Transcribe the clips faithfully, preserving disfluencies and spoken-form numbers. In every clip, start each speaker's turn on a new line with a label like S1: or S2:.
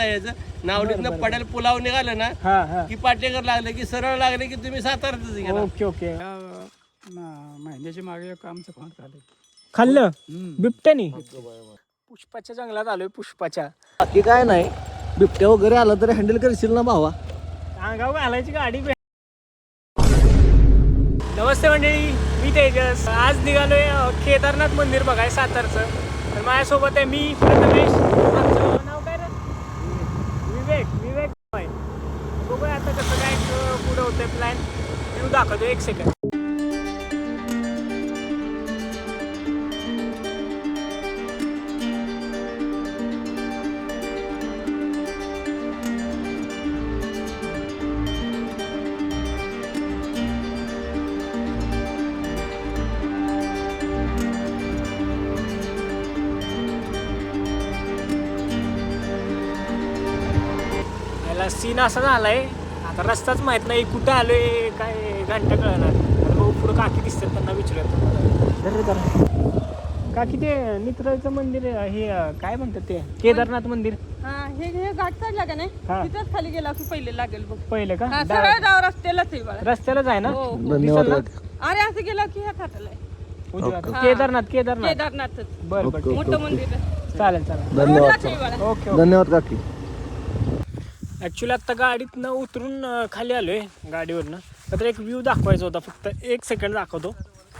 S1: जायचं. नावलीतनं पडेल पुलाव निघालं ना
S2: हा हा
S1: की पाटेकर लागले की सरळ लागले की तुम्ही साताऱ्यातच गेला.
S2: ओके ओके
S3: महिन्याच्या मागे एक आमचं फार झालं.
S2: खाल्लं बिबट्यानी. पुष्पाच्या जंगलात आलोय. पुष्पाच्या
S4: बाकी काय नाही, बिबट्या वगैरे आला तर हँडल करशील ना भावा?
S2: अंगावर घालायची गाडी. नमस्ते मंडळी, मी तेजस. आज निघालोय अ, केदारनाथ मंदिर बघाय सातारचं. तर माझ्यासोबत आहे मी प्रथमेश. आमचं नाव काय रे? विवेक. विवेक आहे. बघूया आता कसं काय अ, पुढं होतंय प्लॅन. व्ह्यू दाखवतो एक सेकंड. सीन असा झालाय, आता रस्ताच माहित नाही कुठं आलोय काय घंटा कळणार. आता भाऊ पुढं काकी दिसतात, त्यांना विचारतो. काकी ते नित्राचं मंदिर आहे, हे अं, काय म्हणतात ते केदारनाथ मंदिर.
S5: हा हे हे घाट चढला का नाही
S2: हा.
S5: तिथंच खाली गेला की पहिले लागेल बघ.
S2: पहिलं का
S5: हा, सरळ जाव रस्त्यालाच आहे बाळा.
S2: रस्त्यालाच आहे ना.
S5: हो, हो.
S4: धन्यवाद.
S2: दिसेल ना?
S5: अरे असं गेला की ह्या खाटाला आहे.
S2: उजव्या हातात.
S5: हा.
S2: केदारनाथ केदारनाथ
S5: केदारनाथच
S2: बरं बरं ठीक.
S5: मोठं मंदिर आहे.
S2: चालेल चालेल.
S4: धन्यवाद
S5: रोडलाच आहे बाळा.
S2: Okay okay.
S4: धन्यवाद काकी.
S2: ॲक्च्युली आत्ता गाडीतनं उतरून अं, खाली आलोय गाडीवरनं. तर एक व्ह्यू दाखवायचा होता, फक्त एक सेकंड दाखवतो.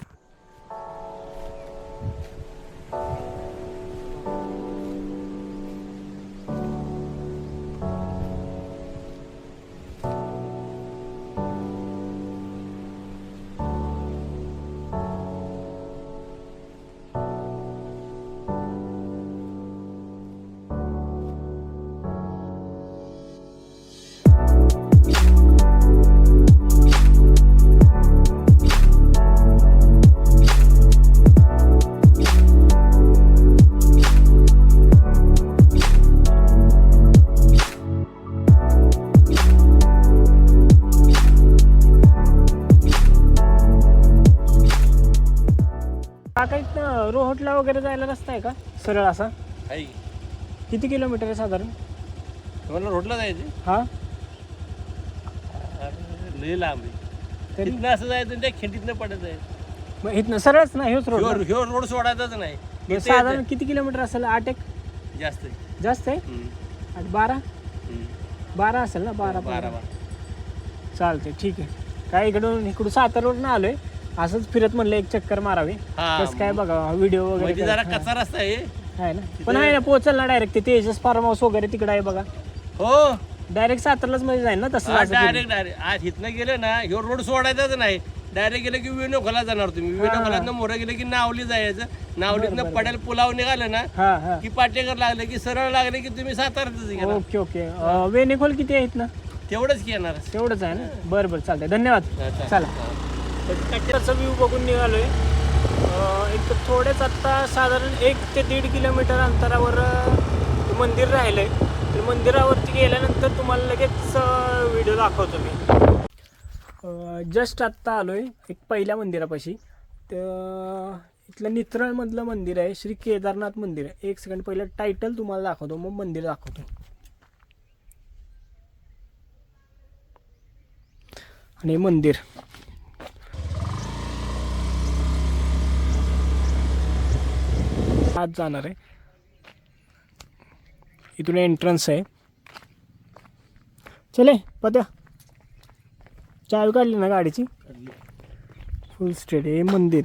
S2: काका इथनं रोहटला वगैरे जायला रस्ता आहे का सरळ असा?
S1: आहे.
S2: किती किलोमीटर आहे साधारण?
S1: तुम्हाला रोडला जायचं
S2: हा
S1: लय लांब आहे.
S2: तरी
S1: तिथनं असं जायचं आणि त्या खिंडीतनं पडत आहे.
S2: मग इथनं सरळच ना ह्योच रोड
S1: ह्यो
S2: ना?
S1: ह्यो रोड सोडायचाच नाही.
S2: मग
S1: इथे
S2: साधारण किती किलोमीटर असेल? आठ एक
S1: येतं. जास्त आहे.
S2: जास्त आहे.
S1: हम्म.
S2: आठ बारा
S1: हम्म.
S2: बारा असेल ना? बारा
S1: बारा
S2: बारा
S1: बारा.
S2: चालते ठीक आहे. काय इकडून इकडून सातारवरून आलोय, असंच फिरत म्हणलं एक चक्कर मारावी.
S1: हा,
S2: कसं काय बघा व्हिडिओ वगैरे
S1: म्हणजे जरा
S2: काय-
S1: कच्चा रस्ता आहे.
S2: हा, आहे ना. पण आहे ना पोहोचल ना डायरेक्ट. ते तेजस फार्म हाऊस वगैरे तिकडे आहे बघा.
S1: हो
S2: डायरेक्ट सातारलाच मध्ये जाईल ना तसं जायचं फिरून.
S1: डायरेक्ट डायरेक्ट आज इथनं गेलं ना ह्यो रोड सोडायचाच नाही. डायरेक्ट गेलं की विनोखला जाणार तुम्ही. विनोखलातनं मोरं गेलं की नावली जायचं. नावलीतनं पडेल पुलाव निघालं ना
S2: हा हा
S1: की पाटेकर लागले की सरळ लागले की तुम्ही साताऱ्यातच गेला.
S2: Okay okay. अं, वेणेखोल किती आहे इथनं?
S1: तेवढंच की येणार.
S2: तेवढंच आहे ना. बरं बरं चालतंय. धन्यवाद.
S1: अच्छा.
S2: चला. कच्च्याचा व्ह्यू बघून निघालोय. अं, एक थोडेच आत्ता साधारण एक ते दीड किलोमीटर अंतरावर अं, ते मंदिर राहिलंय. तर मंदिरावरती गेल्यानंतर तुम्हाला लगेच व्हिडिओ दाखवतो मी. जस्ट आत्ता आलोय एक पहिल्या मंदिरापाशी. तर इथलं नित्रळमधलं मंदिर आहे, श्री केदारनाथ मंदिर आहे. एक सेकंड पहिलं टायटल तुम्हाला दाखवतो, मग मंदिर दाखवतो. आणि मंदिर आज जाणार आहे. इथून एंट्रन्स आहे. चले पत्या, चावी काढली ना गाडीची? फुल स्ट्रेट आहे मंदिर.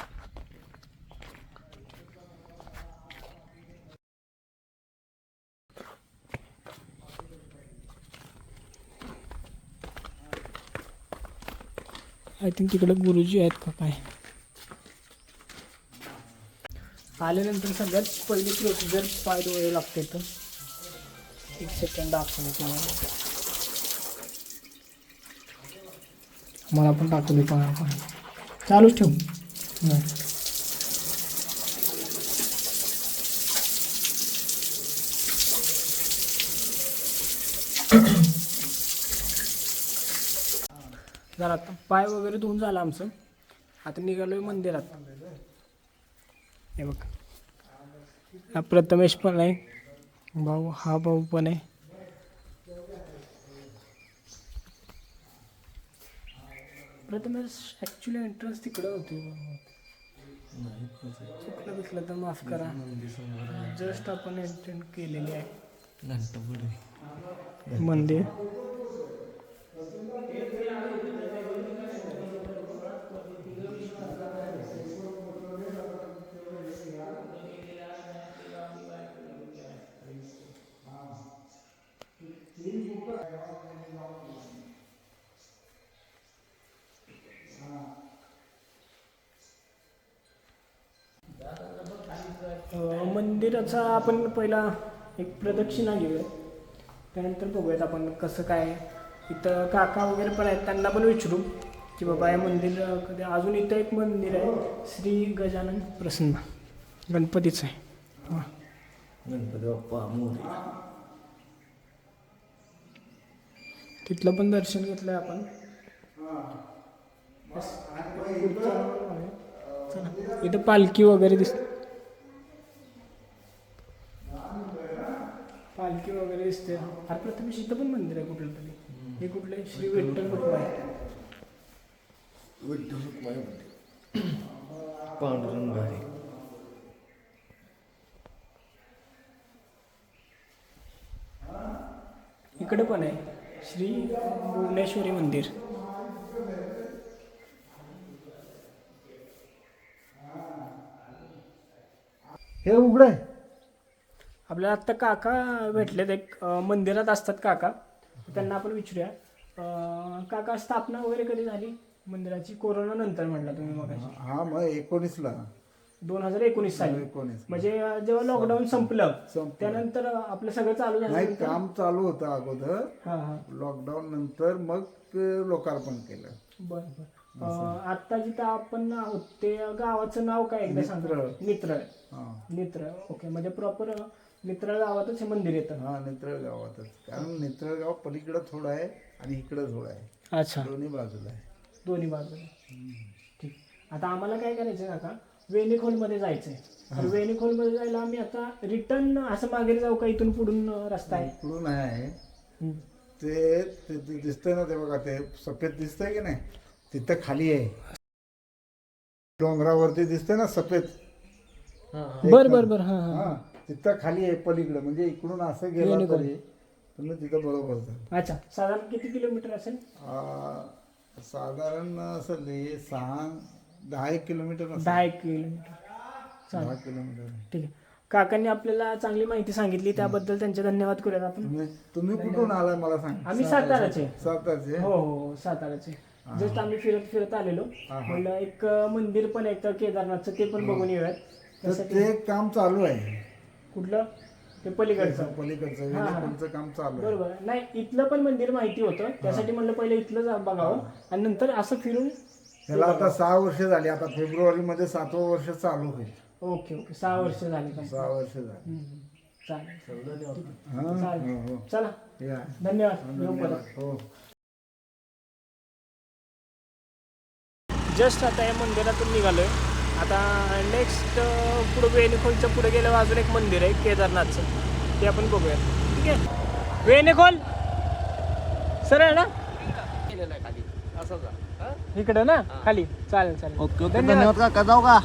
S2: आय थिंक तिकडे गुरुजी आहेत का काय. आल्यानंतर सगळ्यात पहिली प्रोसिजर पाय धुवावे लागते. तर एक सेकंड दाखवलं तुम्हाला. मला पण टाकू दे पाय. आपण चालूच ठेवू. नाही जरा आता पाय वगैरे धुवून झालं आमचं. आता निघालोय मंदिरात. हे बघ, हा प्रथमेश पण आहे भाऊ, हा भाऊ पण आहे. प्रथमेश ॲक्च्युली एंट्रन्स तिकडं होती. चुकलं बिकलं तर माफ करा. जस्ट आपण एंट्रन केलेली आहे मंदिर. मंदिराचा आपण पहिला एक प्रदक्षिणा घेऊया, त्यानंतर बघूयात आपण कसं काय. इथं काका वगैरे पण आहेत, त्यांना पण विचारू की बाबा हे मंदिर कधी. अजून इथं एक मंदिर आहे श्री गजानन प्रसन्न, गणपतीचं आहे. हां
S4: गणपती बाप्पा मोरया.
S2: तिथलं पण दर्शन घेतलं आहे आपण. चला इथं पालखी वगैरे दिसते, पालखी वगैरे दिसते. अरे प्रथमेश इथं पण मंदिर आहे कुठलं तरी. हे कुठलं आहे? श्री विठ्ठल रुक्माई.
S4: विठ्ठल रुक्माई पांडुरंग आहे.
S2: इकडे पण आहे श्री भुवनेश्वरी मंदिर.
S4: हे उघडं आहे.
S2: आपल्याला आत्ता काका भेटलेत, एक अं, मंदिरात असतात काका, त्यांना आपण विचारूया. अं, काका स्थापना वगैरे कधी झाली मंदिराची? कोरोना नंतर म्हटला तुम्ही मग.
S6: हा मग एकोणीसला
S2: दोन हजार एकोणीस साली
S6: एकोणीस
S2: म्हणजे अं, जेव्हा लॉकडाऊन संपलं
S6: संपलं.
S2: त्यानंतर अं, आपलं सगळं चालू
S6: नाही,
S2: झालं.
S6: काम चालू होतं अगोदर.
S2: हां हां
S6: लॉकडाऊन नंतर मग लोकार्पण केलं.
S2: बरं बरं. आता जिथं आपण आहोत ते गावाचं नाव काय एकदा सांगा.
S6: नित्रळ.
S2: नित्रळ.
S6: हा
S2: नित्रळ. ओके, म्हणजे प्रॉपर नित्रळ गावातच हे मंदिर येतं.
S6: हा नित्रळ गावातच. कारण नित्रळ गाव पलीकडं थोडं आहे आणि इकडं थोडं आहे,
S2: अच्छा,
S6: दोन्ही बाजूला आहे.
S2: दोन्ही बाजूला. ठीक. आता आम्हाला काय करायचं काका, वेणीखोलमध्ये जायचं आहे. तर वेणीखोलमध्ये जायला आम्ही आता रिटर्न असं मागे जाऊ का? इथून पुढून रस्ता आहे?
S6: इकडून आहे
S2: हम्म.
S6: ते ते- ते दिसतंय ना, ते बघा ते सफेद दिसतंय की नाही, तिथं खाली आहे डोंगरावरती दिसतंय ना सफेद.
S2: बरं बरं बरं. हां हां.
S6: हा तिथं खाली आहे पलीकडे. म्हणजे इकडून असं गेला तरी तुम्ही तिथं बरोबर जाल.
S2: अच्छा, साधारण किती किलोमीटर असेल?
S6: आ, साधारण असेल हे सहा दहा एक किलोमीटर असेल.
S2: दहा एक किलोमीटर. चालेल,
S6: दहा किलोमीटर.
S2: ठीक आहे. काकांनी आपल्याला चांगली माहिती सांगितली, त्याबद्दल त्यांचे धन्यवाद करूयात आपण.
S6: तुम्ही तुम्ही कुठून आलाय मला सांग.
S2: आम्ही साताराचे.
S6: सातारचे.
S2: हो हो साताराचे. जस्ट आम्ही फिरत फिरत आलेलो. म्हणलं एक मंदिर पण आहे केदारनाथचं, ते पण बघून येऊयात.
S6: तर ते काम चालू आहे.
S2: कुठलं? ते पलीकडचं.
S6: पलीकडचं वेणीखोलचं काम चालू आहे.
S2: बरोबर. नाही, इथलं पण मंदिर माहिती होतं, त्यासाठी म्हणलं पहिले इथलं जा बघावं आणि नंतर असं फिरून.
S6: त्याला आता सहा वर्ष झाली. आता फेब्रुवारी मध्ये सातवं वर्ष चालू होईल.
S2: ओके ओके, सहा वर्ष झाले का?
S6: सहा वर्ष झाली.
S2: हम्म, चालेल.
S6: हा
S2: चालेल.
S6: हो, हो.
S2: चला,
S6: या.
S2: धन्यवाद. येऊ परत.
S6: हो.
S2: जस्ट आता या मंदिरातून निघालोय. आता नेक्स्ट पुढे वेणीखोलच्या पुढे गेल्यावर अजून एक मंदिर आहे केदारनाथचं, ते आपण बघूया. ठीक आहे. वेणीखोल सरळ ना इकडे ना खाली. चालेल चालेल.
S4: ओके ओके, धन्यवाद काका. जाऊ का?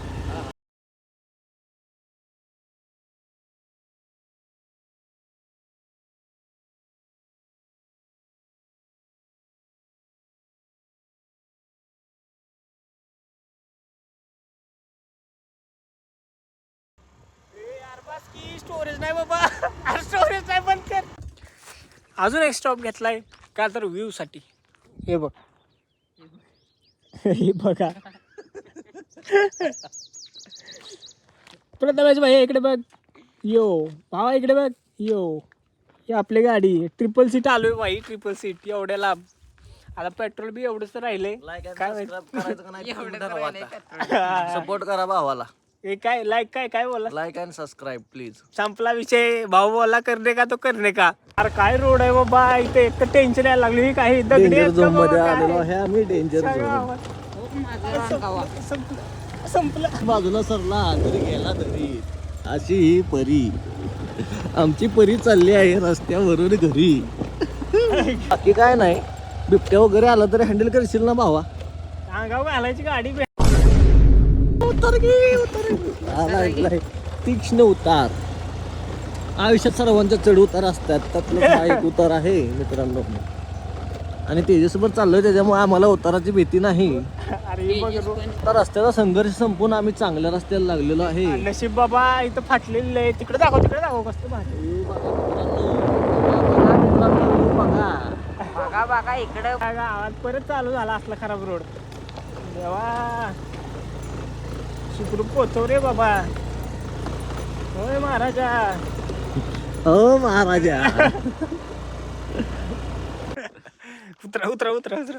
S2: स्टोरेज नाही बाबा, स्टोरेज नाही, बंद कर. अजून एक स्टॉप घेतलाय का तर व्ह्यू साठी. हे बघ, हे बघा प्रथमेश भाई इकडे बघ. यो भावा इकडे बघ. यो ही आपली गाडी ट्रिपल सीट आलोय भाई. ट्रिपल सीट एवढ्या लांब. आता पेट्रोल बी एवढंच राहिलंय. काय
S4: सपोर्ट करा भावाला.
S2: हे काय लाईक काय काय बोला?
S4: Like and subscribe please.
S2: संपला विषय. भाऊ बोला करणे का तो करणे का. अरे काय रोड आहे बाबा इथे, एक तर टेन्शन यायला लागली. ही काही दगडी
S4: डेंजर
S2: आहेत का
S4: झोन मध्ये
S2: बाबा,
S4: आलेलो
S2: काय?
S4: आहे आम्ही. डेंजर
S2: सगळं
S4: झोन.
S2: आवाज. संपलं संपलं.
S4: बाजूला सरला तरी गेला तरी. अशी ही परी, आमची परी चालली आहे रस्त्यावरून घरी. बाकी काय नाही. बिबट्या वगैरे आला तरी हँडल करशील ना भावा?
S2: अंगाव घालायची गाडी बे-
S4: उतर गे उतर आला ऐकलाय तीक्ष्ण उतार. आयुष्यात सर्वांच्या चढ उतार असतात, त्यातलं हा एक उतार आहे मित्रांनो. आणि तेजसभर चाललोय त्याच्यामुळे आम्हाला उताराची भीती नाही.
S2: अरे बघ रो-
S4: आता रस्त्याचा संघर्ष संपून आम्ही चांगल्या रस्त्याला लागलेलो आहे.
S2: नशीब बाबा इथं फाटलेलं आहे. तिकडे दाखव तिकडे दाखव कसं भारी.
S4: हे बघा मित्रांनो, बघा मित्रांनो, बघा.
S7: बघा बघा इकडं
S2: त्या गावात परत चालू झाला असला खराब रोड. देवा सुखरूप पोचव रे बाबा. होय महाराजा.
S4: हो महाराजा.
S2: उतरा उतरा उतरा उतरा.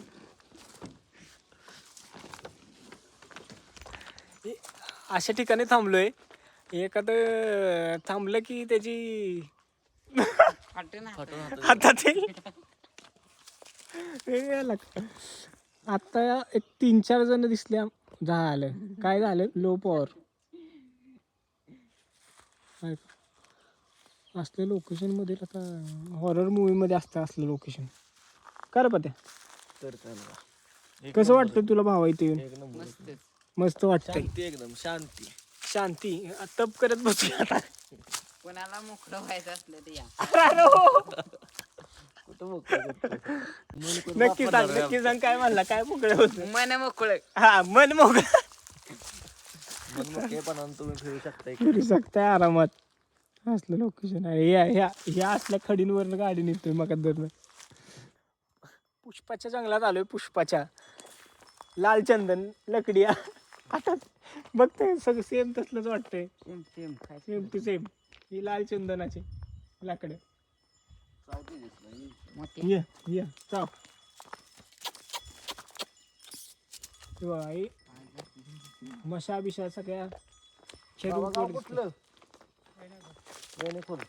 S2: ए, अशा ठिकाणी थांबलोय. एखादं थांबलं की त्याची हातात येईल. हे लग- आता एक तीन चार जण दिसल्या. झालं काय झालं लो पॉवर. असल्या लोकेशन मध्ये आता हॉरर मूवी मध्ये असतं असलं लोकेशन. कर पत्या
S4: तर चालवा.
S2: कसं वाटतं तुला भावा इथे येऊन.
S4: एक नंबर.
S2: मस्त वाटतंय.
S4: शांती एकदम शांती.
S2: शांती. तप करत बसूया आता.
S7: कोणाला मोकळं व्हायचं असलं तर या
S4: कुठं मोकळं करतो? मन करून
S2: नक्की
S4: वापरणार
S2: सांग
S4: आहे
S2: नक्की सांग काय म्हणला काय मोकळं होतं.
S7: मन मोकळं.
S2: हा मन मोकळं
S4: मन मोकळेपणानं तुम्ही फिरू शकता.
S2: फिरू शकताय आरामात. असलं लोकेशन आहे. या ह्या ह्या असल्या खडींवरनं गाडी निघतोय मग धरणं. पुष्पाच्या जंगलात आलोय. पुष्पाच्या लाल चंदन लकडिया आता बघतोय सगळं सेम तसलंच वाटतंय.
S7: सेम सेम काय
S2: सेम टू सेम. ही लाल चंदनाची लाकडं.
S7: मोठे
S2: ये ये चाव. हे बघा, हे मशा बिशा सगळ्या
S4: बाबा गाव
S2: शेडून
S4: कुठलं? रेणेखोल.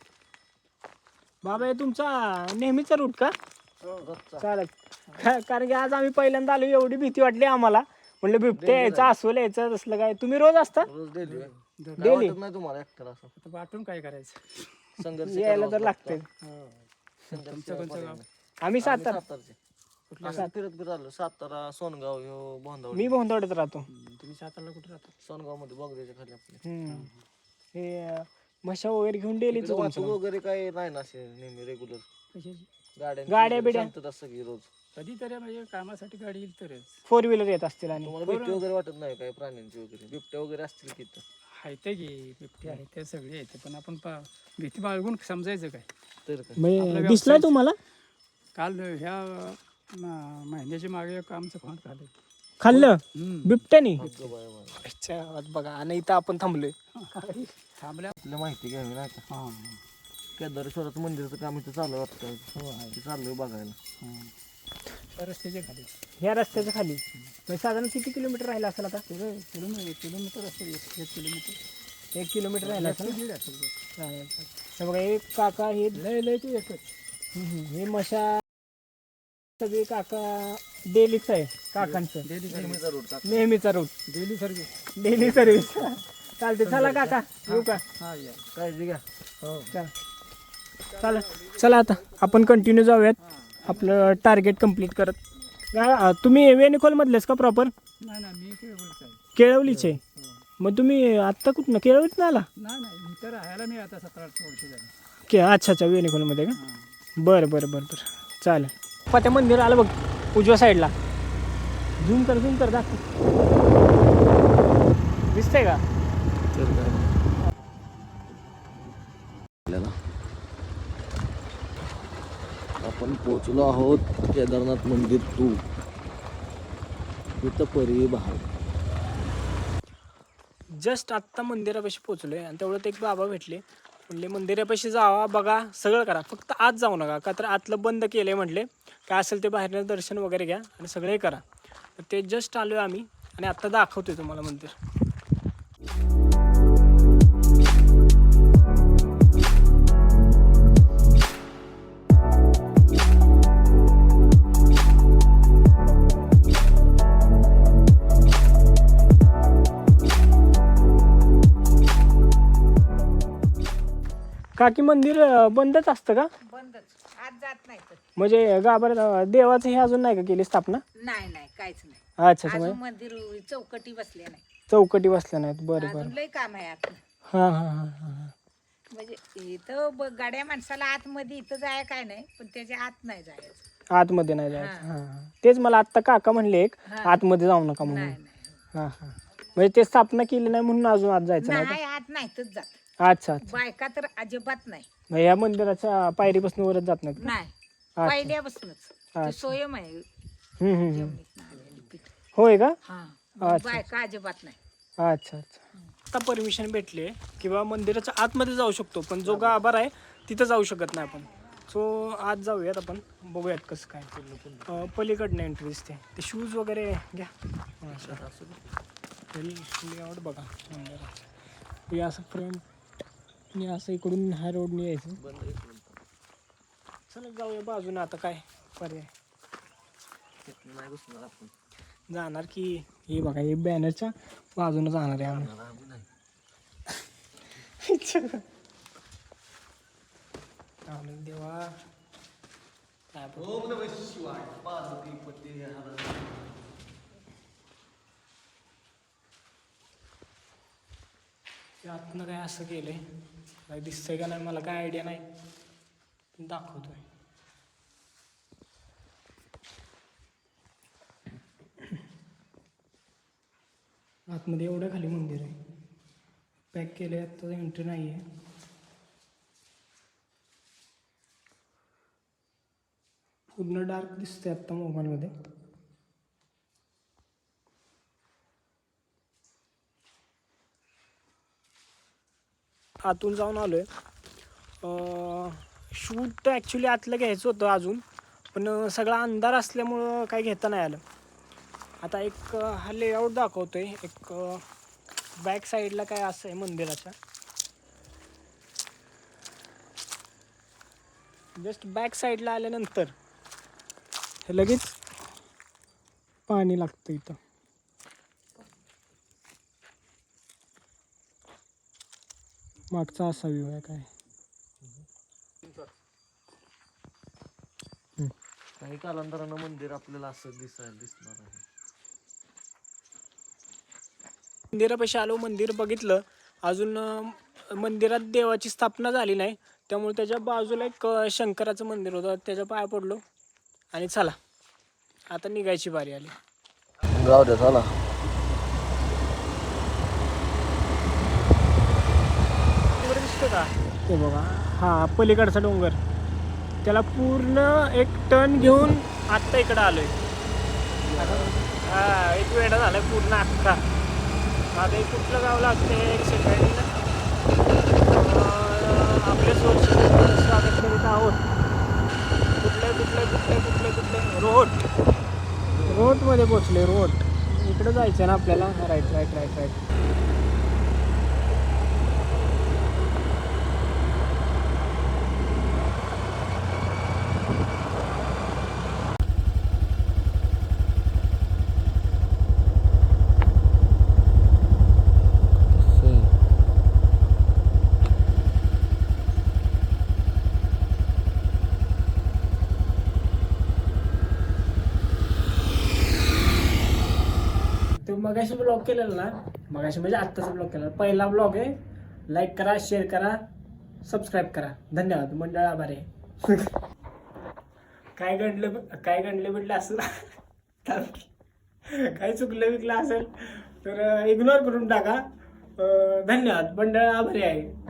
S2: बाबा हे तुमचा नेहमीचा रूट का.
S4: रोजचा.
S2: चालेल. का- कारण की आज आम्ही पहिल्यांदा आलो. एवढी भीती वाटली आम्हाला. म्हणलं बिबट्या यायचा अस्वल यायचं तसलं काय. तुम्ही रोज असता
S4: रोज डेली.
S2: डेली
S4: वाटत नाही तुम्हाला एकट्याला असं
S3: आता वाटून काय करायचं.
S4: संघर्ष
S2: यायला
S4: करावाच
S2: तर
S4: लागतो.
S2: लागतंय.
S4: संघर्ष
S3: तुमचं कोणतं
S4: पर्याय
S3: गाव?
S4: नाही.
S2: आम्ही
S4: आम्ही
S2: सातारा.
S4: सातारचे. असं फिरत फिरत आलो. सातारा सोनगाव ह्यो बोंधावडी.
S2: मी भोंदवड्यात राहतो.
S3: तुम्ही सातारला कुठे राहता.
S4: सोनगाव मध्ये बघायच्या खाली आपले.
S2: हम्म. हे अं, म्हशा वगैरे घेऊन डेलीच
S4: इकडे वाहतूक वगैरे काय नाही ना असे नेहमी रेग्युलर.
S3: कशाची
S4: गाड्या
S2: गाड्या बिड्या?
S4: शांतता सगळी रोज.
S3: कधीतरी म्हणजे कामासाठी गाडी येईल तरच.
S2: फोर व्हीलर येत असतील. आणि
S4: तुम्हाला भीती वगैरे वाटत नाही काय प्राण्यांची वगैरे. बिबट्या वगैरे असतील की इथं?
S3: आहे ते की बिबटे आहे ते सगळे येते पण आपण पा भीती बाळगून समजायचं काय.
S4: तर काय
S2: म्हणजे
S3: आपला
S2: दिसलाय
S3: व्यवसाय-
S2: तुम्हाला.
S3: काल ह्या म- महिन्याच्या मागे एक आमचं फोन खाल्लं.
S2: खाल्लं
S3: हम्म.
S2: बिबट्यानी.
S4: अगं बाय बाय.
S2: अच्छा, आज बघा आणि इथं आपण थांबलोय.
S3: थांबल्या.
S4: आपल्याला माहिती घ्यावी नाही का.
S3: हां
S4: केदारेश्वराचं मंदिरचं काम इथं चालू आहे वाटतं. ते चाललोय बघायला.
S3: हां त्या रस्त्याच्या खाली
S2: ह्या रस्त्याच्या खाली. म्हणजे साधारण किती किलोमीटर राहिला असेल आता.
S3: पुढे किलोमीटर किलोमीटर असेल एक एक किलोमीटर
S2: एक किलोमीटर राहिला असेल ना?
S3: दीड असेल बघ.
S2: चालेल, चालेल. हे बघा हे काका हे
S3: लय लय ते एकच.
S2: हम्म, हे मशा सगळे काका डेलीच आहे काकांचं.
S3: डेली सर्व्हिस
S4: नेहमीचा रूट का?
S2: नेहमीचा route.
S3: Daily service.
S2: Daily service. चालते चला काका येऊ का.
S3: हां या
S4: काळजी घ्या.
S2: चला चला चला आता आपण कंटिन्यू जाऊयात आपलं टार्गेट कंप्लीट करत. गा- तुम्ही वेणेखोल मधलेच का प्रॉपर.
S3: नाही नाही मी काय बोलत आहे.
S2: केळवलीचे. मग तुम्ही आत्ता कुठनं केळवलीत ना आला.
S3: नाही नाही इथं राहायला मी आता सतरा अठरा वर्ष झाली.
S2: के अच्छा अच्छा वेणेखोलमध्ये का.
S3: हां
S2: बरं बरं बरं बरं चालेल. त्या मंदिर आलं बघ उजव्या साईडला. झूम कर झूम कर दाखव. दिसतंय का.
S4: तर काय आपल्याला आपण पोहोचलो आहोत केदारनाथ मंदिर टू. इथं परी बहार.
S2: जस्ट आत्ता मंदिरापाशी पोचलोय आणि तेवढं एक बाबा भेटले. म्हणले मंदिरापाशी जावा बघा सगळं करा फक्त आत जाऊ नका का तर आतलं बंद केलंय. म्हटले काय असेल ते बाहेरनं दर्शन वगैरे घ्या आणि सगळे करा. तर ते जस्ट आलोय आम्ही आणि आत्ता दाखवतोय तुम्हाला मंदिर. काकी मंदिर अं, बंदच असतं का.
S7: बंदच आज जात नाही तर
S2: म्हणजे गाभाऱ्यात अं, देवाचं हे अजून नाही का केली स्थापना.
S7: नाही नाही काहीच नाही.
S2: अच्छा अच्छा
S8: अजून मंदिर चौकटी बसले नाही,
S2: चौकटी बसल्या नाहीत. बरं बरं.
S8: अजून लय काम आहे आत.
S2: हां हां हां हां.
S8: म्हणजे इथं ब- गाड्या माणसाला आतमध्ये इथं जाय काय नाही, पण त्याच्या आत नाही जायचं.
S2: आतमध्ये नाही जायचं. हां हां. तेच मला आत्ता काका म्हणले एक
S8: हां.
S2: आतमध्ये जाऊ नका म्हणून.
S8: नाही नाही
S2: हां हां. म्हणजे ते स्थापना केली नाही म्हणून अजून आत जायचं नाही
S8: नाही, आत नाहीतच जात.
S2: का? अच्छा अच्छा.
S8: बायका तर अजिबात नाही.
S2: मग या मंदिराच्या पायरीपासून वरच जात नाहीत का?
S8: नाही,
S2: अच्छा.
S8: पहिल्यापासूनच
S2: अच्छा.
S8: ते स्वयं आहे
S2: हम्म, हम्म, हम्म.
S8: जेवणीत आलेलं पीठ.
S2: होय का?
S8: हा,
S2: अच्छा.
S8: बायका अजिबात नाही.
S2: अच्छा अच्छा. आता परमिशन भेटली आहे किंवा मंदिराच्या आतमध्ये जाऊ शकतो, पण जो गाभारा आहे तिथं जाऊ शकत नाही आपण. सो आत जाऊयात आपण, बघूयात कसं काय. अं, पलीकडनं एंट्री दिसते. ते शूज वगैरे घ्या. लेआउट बघा मंदिराचं. हे असं फ्रंट आणि असं इकडून ह्या रोडने यायचं. चला जाऊया बाजूने, आता काय पर्याय.
S4: नाही बसणार आपण.
S2: जाणार की हे बघा, हे बॅनरच्या बाजूने जाणार आहे आम्ही. आनंद देवा काय बोलतो.
S4: ओम नमः शिवाय. पार्वती पती हर.
S2: आतनं काय असं केलंय, काय दिसतंय का नाही मला काय आयडिया नाही, पण दाखवतोय. आतमध्ये एवढं खाली मंदिर आहे, पॅक केलंय, आता एंट्री नाही आहे. पूर्ण डार्क दिसतंय आत्ता मोबाईलमध्ये. आतून जाऊन आलोय. शूट ॲक्च्युली आतलं घ्यायचं होतं अजून, पण सगळा अंधार असल्यामुळं काही घेता नाही आलं. आता एक हा लेआउट दाखवतोय. एक बॅक साईडला काय असं आहे मंदिराच्या, जस्ट बॅक साईडला आल्यानंतर हे लगेच पाणी लागतं इथं. मागचा असा व्ह्यू आहे काय.
S4: काही कालांतरानं मंदिर आपल्याला असं दिसायला दिसणार आहे.
S2: मंदिरापाशी आलो, मंदिर बघितलं. अजून अं, मंदिरात देवाची स्थापना झाली नाही, त्यामुळे त्याच्या बाजूला एक अं, शंकराचं मंदिर होतं, त्याच्या पाया पडलो आणि चला आता निघायची बारी आली.
S4: जाऊ द्या चला.
S2: डोंगर दिसतो का ते बघा, हा पलीकडचा डोंगर. त्याला पूर्ण एक टर्न घेऊन आत्ता इकडं आलोय. हा एक वेळा झालाय पूर्ण अख्खा. आता एक कुठलं गाव लागते एक सेकंड. आपले सोर्स स्वागत करीत आहोत. कुठले कुठले कुठले कुठले कुठले रोट रोटमध्ये पोचले. रोट इकडं जायचं ना आपल्याला. Right right right right. तो मगाशी ब्लॉग केलेला ना, मगाशी म्हणजे आत्ताचा ब्लॉग केलेला, पहिला ब्लॉग आहे. लाईक करा, शेअर करा, सबस्क्राईब करा. धन्यवाद. मंडळ आभार आहे. काय घडलं काय घडलं म्हटलं असं काय चुकलं विकलं असेल तर इग्नोर करून टाका. धन्यवाद. मंडळ आभारी आहे.